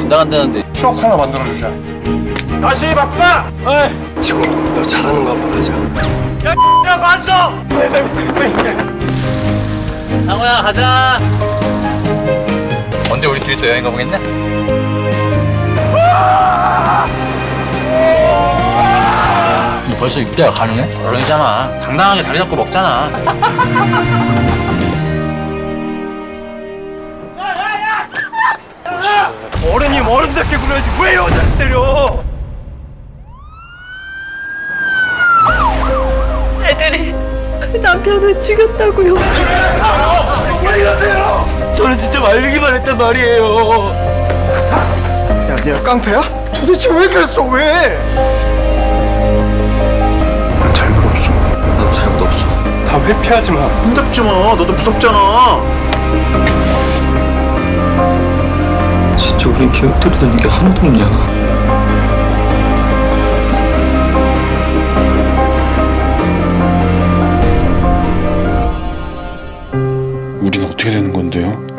분당한다는데. 추억 하나 만들어주자. 다시 바꾸마! 지금 너 잘하는 거 한번 하자. 라고 앉아! 상호야 가자. 언제 우리끼리 또 여행 가보겠냐? 너 벌써 입대가 가능해? 그러잖아. 당당하게 자리 잡고 먹잖아. 어른이 어른답게 굴어야지 왜 여자를 때려! 애들이 남편을 죽였다고요. 왜 이러세요! 저는 진짜 말리기만 했단 말이에요. 야, 네가 깡패야? 도대체 왜 그랬어, 왜? 난 잘못 없어. 나도 잘못 없어. 다 회피하지 마. 힘답지 마. 너도 무섭잖아. 진짜 우린 계획대로 게 하나도 없냐? 우린 어떻게 되는 건데요?